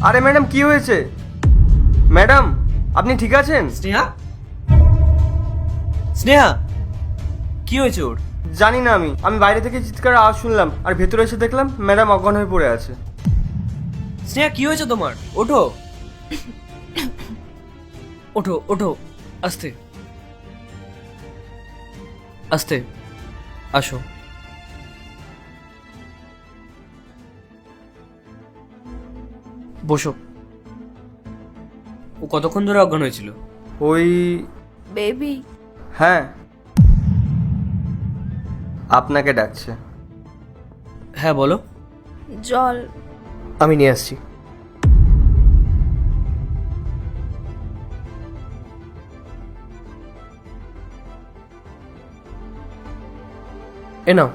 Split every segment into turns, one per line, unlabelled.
আরে ম্যাডাম কি হয়েছে? ম্যাডাম আপনি ঠিক আছেন?
স্নেহা, স্নেহা, কি হয়েছে ওর?
জানি না, আমি বাইরে থেকে চিৎকার আওয়াজ শুনলাম আর ভেতরে এসে দেখলাম ম্যাডাম অজ্ঞান হয়ে পড়ে আছে।
স্নেহা, কি হয়েছে তোমার? ওঠো, ওঠো, ওঠো, আস্তে আস্তে, আসো। বসো। ও কতক্ষণ ধরে অজ্ঞান হয়েছিল?
ওই
বেবি,
হ্যাঁ, আপনাকে ডাকছে।
হ্যাঁ বলো।
জল।
আমি নিয়ে আসছি। এ নাও।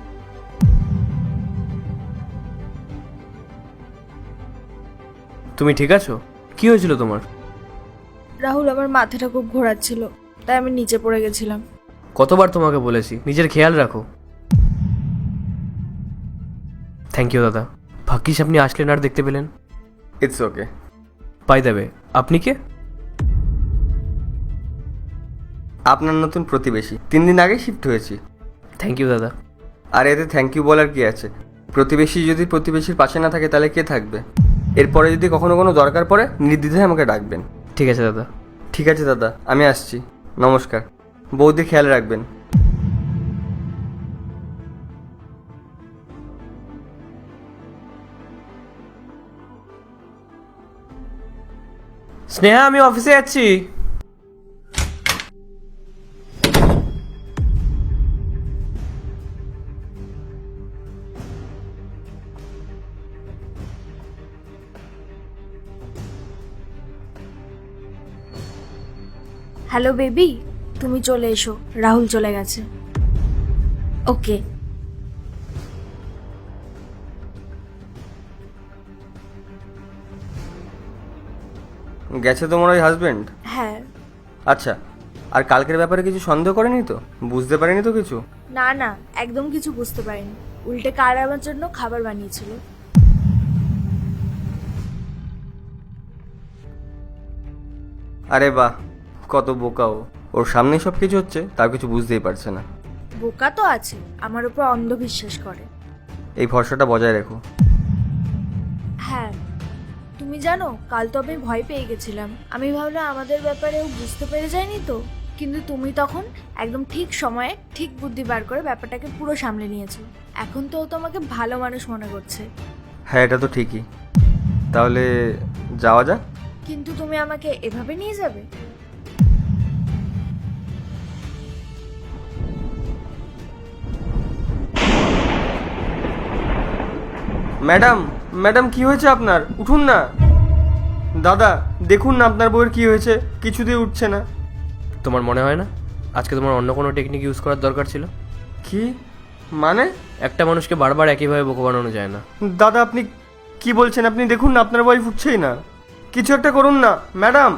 তুমি ঠিক আছো? কি হয়েছিল তোমার?
রাহুল, আমার মাথাটা খুব ঘোরাচ্ছিল, তাই আমি নিচে পড়ে গেছিলাম।
কতবার তোমাকে বলেছি নিজের খেয়াল রাখো। থ্যাংক ইউ দাদা, ভাগ্যিস আপনি আসলেন আর দেখতে পেলেন।
It's okay.
পাই দেবে। আপনি কে?
আপনার নতুন প্রতিবেশী, 3 দিন আগে শিফট হয়েছি।
থ্যাংক ইউ দাদা।
আর এতে থ্যাংক ইউ বলার কি আছে? প্রতিবেশী যদি প্রতিবেশীর পাশে না থাকে তাহলে কে থাকবে? এরপরে যদি কখনো কোনো দরকার পড়ে নির্দ্বিধায় আমাকে ডাকবেন।
ঠিক আছে দাদা।
ঠিক আছে দাদা, আমি আসছি। নমস্কার। বৌদি খেয়াল রাখবেন।
স্নেহা, আমি অফিসে যাচ্ছি।
হ্যালো বেবি, তুমি চলে এসো, রাহুল চলে গেছে। ওকে।
গেছে তোমার ওই হাজবেন্ড?
হ্যাঁ।
আচ্ছা, আর কালকের ব্যাপারে কিছু সন্দেহ করেনি তো? বুঝতে পারেনি তো কিছু?
না না, একদম কিছু বুঝতে পারিনি। উল্টে কার আমার জন্য খাবার বানিয়েছিল।
আরে বাহ, কত বোকা ও! ওর সামনেই সব কিছু হচ্ছে, তার কিছু বুঝতেই পারছে না।
বোকা তো আছে, আমার উপর অন্ধবিশ্বাস করে।
এই ভরসাটা বজায় রেখো।
হ্যাঁ, তুমি জানো কাল তো আমি ভয় পেয়ে গেছিলাম। আমি ভাবলাম আমাদের ব্যাপারে ও বুঝতে পেরে যায়নি তো, কিন্তু তুমি তখন একদম ঠিক সময়ে ঠিক বুদ্ধি বার করে ব্যাপারটাকে পুরো সামলে নিয়েছো। এখন তো ও তোমাকে ভালো মানুষ মনে করছে।
হ্যাঁ, এটা তো ঠিকই। তাহলে যাওয়া যাক।
কিন্তু তুমি আমাকে এভাবে নিয়ে যাবে?
ম্যাডাম, ম্যাডাম কি হয়েছে আপনার? উঠুন না। দাদা দেখুন না আপনার বউয়ের কি হয়েছে, কিছুতেই উঠছে না।
তোমার মনে হয় না আজকে তোমার অন্য কোনো টেকনিক ইউজ করার দরকার ছিল?
কি মানে?
একটা মানুষকে বারবার একইভাবে বোকা বানানো যায় না।
দাদা আপনি কি বলছেন? আপনি দেখুন না আপনার ওয়াইফ উঠছেই না। কিছু একটা করুন না ম্যাডাম।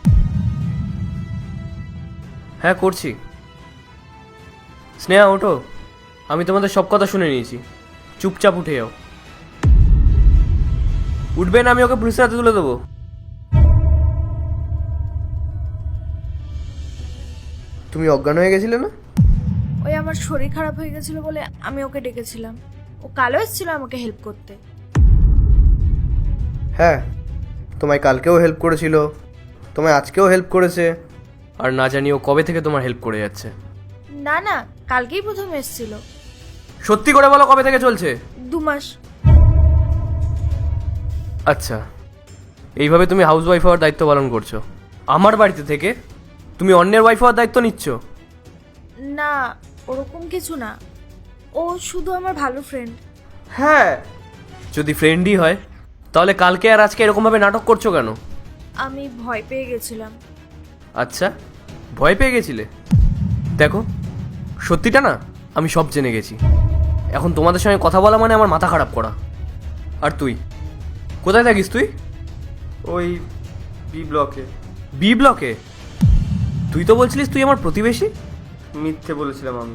হ্যাঁ, করছি। স্নেহা, ওঠো। আমি তোমাদের সব কথা শুনে নিয়েছি। চুপচাপ উঠে যাও। উঠবে না, আমি ওকে পুলিশের হাতে তুলে দেবো।
তুমি অজ্ঞান হয়ে গেছিলে না?
ওই আমার শরীর খারাপ হয়ে গেছিল বলে আমি ওকে ডেকেছিলাম। ও কালও এসেছিল আমাকে হেল্প করতে।
হ্যাঁ, তোমায় কালকেও হেল্প করেছিল, তোমায় আজকেও হেল্প করেছে।
আর না জানি ও কবে থেকে তোমার হেল্প করে যাচ্ছে।
না না, কালকেই প্রথম এসেছিল।
সত্যি করে বলো, কবে থেকে চলছে?
2 মাস।
আচ্ছা, এইভাবে তুমি হাউস ওয়াইফ হওয়ার দায়িত্ব পালন করছো আমার বাড়িতে থেকে? তুমি অন্যের ওয়াইফ হওয়ার দায়িত্ব নিচ্ছ?
না, ওরকম কিছু না। ও শুধু আমার ভালো ফ্রেন্ড।
হ্যাঁ।
যদি ফ্রেন্ডই হয় তাহলে কালকে আর আজকে এরকমভাবে নাটক করছো কেন?
আমি ভয় পেয়ে গেছিলাম।
আচ্ছা, ভয় পেয়ে গেছিলে? দেখো, সত্যিটা না আমি সব জেনে গেছি। এখন তোমাদের সঙ্গে কথা বলা মানে আমার মাথা খারাপ করা। আর তুই কোথায় থাকিস? তুই
ওই বি ব্লকে।
বি ব্লকে? তুই তো বলছিলিস তুই আমার প্রতিবেশী।
মিথ্যে বলেছিলাম আমি।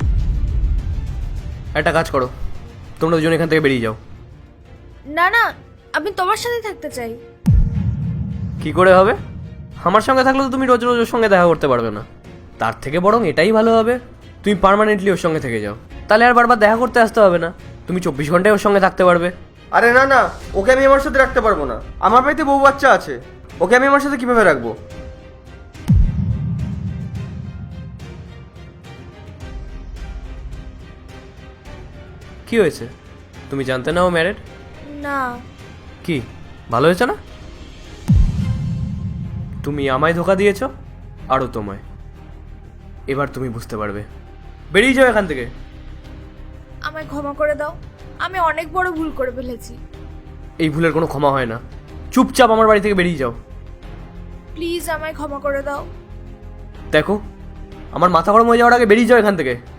একটা কাজ করো, তোমরা দুজন এখান থেকে বেরিয়ে যাও।
না না, আমি তোমার সাথে থাকতে চাই।
কি করে হবে? আমার সঙ্গে থাকলে তো তুমি রোজ রোজ ওর সঙ্গে দেখা করতে পারবে না। তার থেকে বরং এটাই ভালো হবে, তুমি পার্মানেন্টলি ওর সঙ্গে থেকে যাও। তাহলে আর বারবার দেখা করতে আসতে হবে না, তুমি 24 ঘন্টায় ওর সঙ্গে থাকতে পারবে।
আরে না না, ওকে আমি আমার সাথে রাখতে পারবো না। আমার বাড়িতে বউ বাচ্চা আছে, ওকে আমি আমার সাথে কিভাবে রাখবো?
কি হয়েছে? তুমি জানতে না ও ম্যারেড?
না।
কি ভালো হয়েছে না? তুমি আমায় ধোকা দিয়েছো, আরও তোমায়। এবার তুমি বুঝতে পারবে। বেরিয়ে যাও এখান থেকে।
আমায় ক্ষমা করে দাও, আমি অনেক বড় ভুল করে ফেলেছি।
এই ভুলের কোনো ক্ষমা হয় না। চুপচাপ আমার বাড়ি থেকে বেরিয়ে যাও।
প্লিজ আমায় ক্ষমা করে দাও।
দেখো, আমার মাথা গরম হয়ে যাওয়ার আগে বেরিয়ে যাও এখান থেকে।